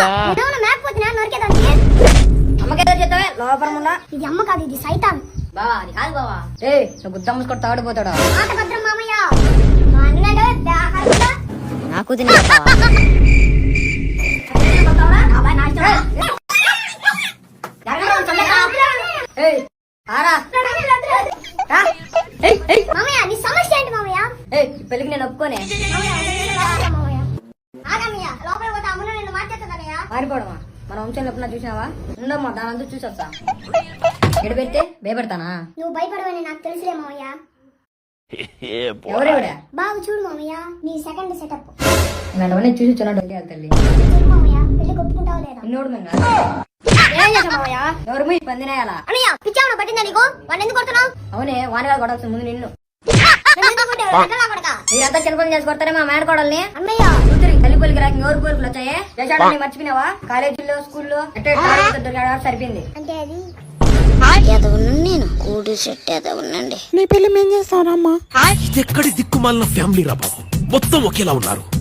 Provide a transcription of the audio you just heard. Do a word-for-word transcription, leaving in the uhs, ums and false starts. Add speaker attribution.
Speaker 1: అమ్మకేదో చెప్తావే లోపల ఉన్నా.
Speaker 2: ఇది అమ్మ కాదు, ఇది సైతాన్.
Speaker 1: బావా అది కాదు బావా. ఏ నువ్వు గుద్ద ముసుకొని తాడిపోతాడా?
Speaker 2: మాట భద్రం మామయ్య. మా అన్నడు దాహరుడా.
Speaker 1: నాకు తిని చెప్తావా? ఏయ్ ఆరా ఏయ్ ఏయ్
Speaker 2: మామయ్య నీ సమస్య ఏంటి మామయ్య?
Speaker 1: ఏయ్ ఈ పెళ్ళికి నేను ఒప్పుకోనే.
Speaker 2: మామయ్య ఆగమయ్య, లోపల పోతే అమ్మ నిన్ను మార్చేస్తుందన్నయ్య.
Speaker 1: పారిపోవడమా? మన వంశంలో ఎప్పుడన్నా చూసినావా? ఉండమ్మా దానంతా చూసి వస్తా. ఎడు పెడితే భయపడతానా?
Speaker 2: నువ్వు భయపడవని నాకు తెలుసులే మామయ్య.
Speaker 1: ఎవరెవడా?
Speaker 2: బాగా చూడు మామయ్య నీ సెకండ్ సెటప్.
Speaker 1: ఇలాంటివన్నీ చూసి చున్నాడు తల్లి.
Speaker 2: చూడు మామయ్య, పెళ్లి ఒప్పుకుంటావా లేదా?
Speaker 1: నిన్నోడు మేము
Speaker 2: ఏం చేసావు మామయ్య?
Speaker 1: ఎవరు మీ పందినేయాలా?
Speaker 2: అన్నయ్య పిచ్చావున పట్టిందా నీకు? వాడిని ఎందుకు కొడుతున్నావు?
Speaker 1: అవునే వానగాలు కొడాల్సిన ముందు నిన్ను.
Speaker 2: నన్ను ఎందుకు కొట్టావు? ఎక్కడా కొడకా?
Speaker 1: మీరంతా చిన్నపని చేసి కొడతారే మా మేడకోడల్ని.
Speaker 2: అన్నయ్య
Speaker 1: కూతురి తల్లి పొలికి రాక ఎవరు కోరికలు వచ్చాయే? చేసాడని మర్చిపోయినావా? కాలేజీల్లో స్కూల్లో సరిపోయింది.
Speaker 2: అంటే అది
Speaker 3: నేను కూడి సెట్ ఉండండి.
Speaker 4: నీ పెళ్లి మేం చేస్తానమ్మా. ఇది ఎక్కడి దిక్కుమాలిన ఫ్యామిలీ రా బాబు, మొత్తం ఒకేలా ఉన్నారు.